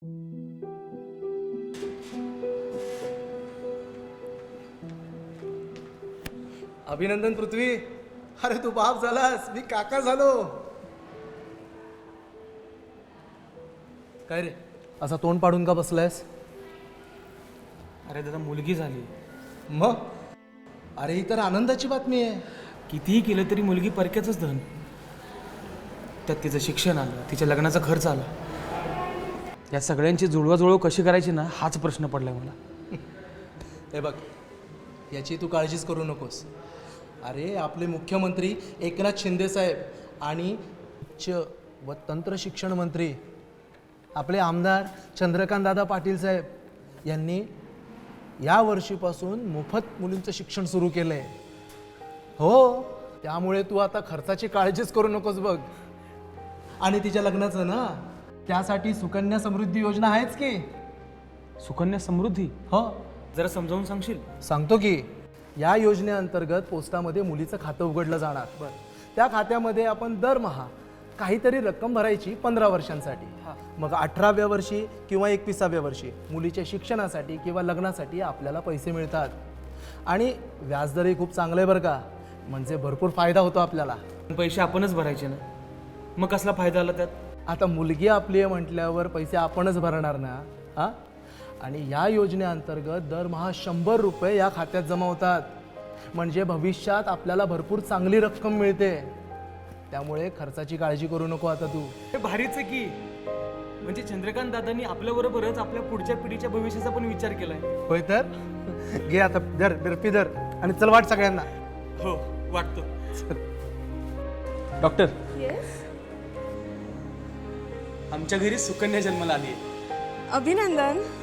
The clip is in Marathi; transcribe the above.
अभिनंदन पृथ्वी. अरे तू बाप झालास, मी काका झालो. काय रे असा तोंड पाडून का बसलायस? अरे दादा मुलगी झाली. मग अरे ही तर आनंदाची बातमी आहे. कितीही केलं तरी मुलगी परक्याचंच धन. त्यात तिचं शिक्षण आलं, तिच्या लग्नाचा खर्च आला. या सगळ्यांची जुळवाजुळव कशी करायची ना, हाच प्रश्न पडलाय मला. हे बघ, याची तू काळजीच करू नकोस. अरे आपले मुख्यमंत्री एकनाथ शिंदे साहेब आणि उच्च व तंत्र शिक्षण मंत्री आपले आमदार चंद्रकांत दादा पाटील साहेब यांनी या वर्षीपासून मोफत मुलींचं शिक्षण सुरू केलं आहे. हो, त्यामुळे तू आता खर्चाची काळजीच करू नकोस बघ. आणि तिच्या लग्नाचं ना, त्यासाठी सुकन्या समृद्धी योजना आहेच की. सुकन्या समृद्धी? हो, जरा समजावून सांगशील? सांगतो की. या योजनेअंतर्गत पोस्टामध्ये मुलीचं खातं उघडलं जाणार. बरं, त्या खात्यामध्ये आपण दरमहा काहीतरी रक्कम भरायची 15 वर्षांसाठी. मग 18व्या वर्षी किंवा 21व्या वर्षी मुलीच्या शिक्षणासाठी किंवा लग्नासाठी आपल्याला पैसे मिळतात. आणि व्याजदरही खूप चांगलं आहे बरं का, म्हणजे भरपूर फायदा होतो आपल्याला. पैसे आपणच भरायचे ना, मग कसला फायदा आला त्यात? आता मुलगी आपली आहे म्हटल्यावर पैसे आपणच भरणार ना. हां, आणि या योजनेअंतर्गत दरमहा 100 रुपये या खात्यात जमा होतात. म्हणजे भविष्यात आपल्याला भरपूर चांगली रक्कम मिळते. त्यामुळे खर्चाची काळजी करू नको आता तू. हे भारीच आहे की. म्हणजे चंद्रकांत दादांनी आपल्याबरोबरच आपल्या पुढच्या पिढीच्या भविष्याचा पण विचार केलाय. होय तर घे आता, धर बर्फी धर आणि चल वाट सगळ्यांना. हो वाटतो. डॉक्टर, आमच्या घरी सुकन्या जन्माला आली आहे. अभिनंदन.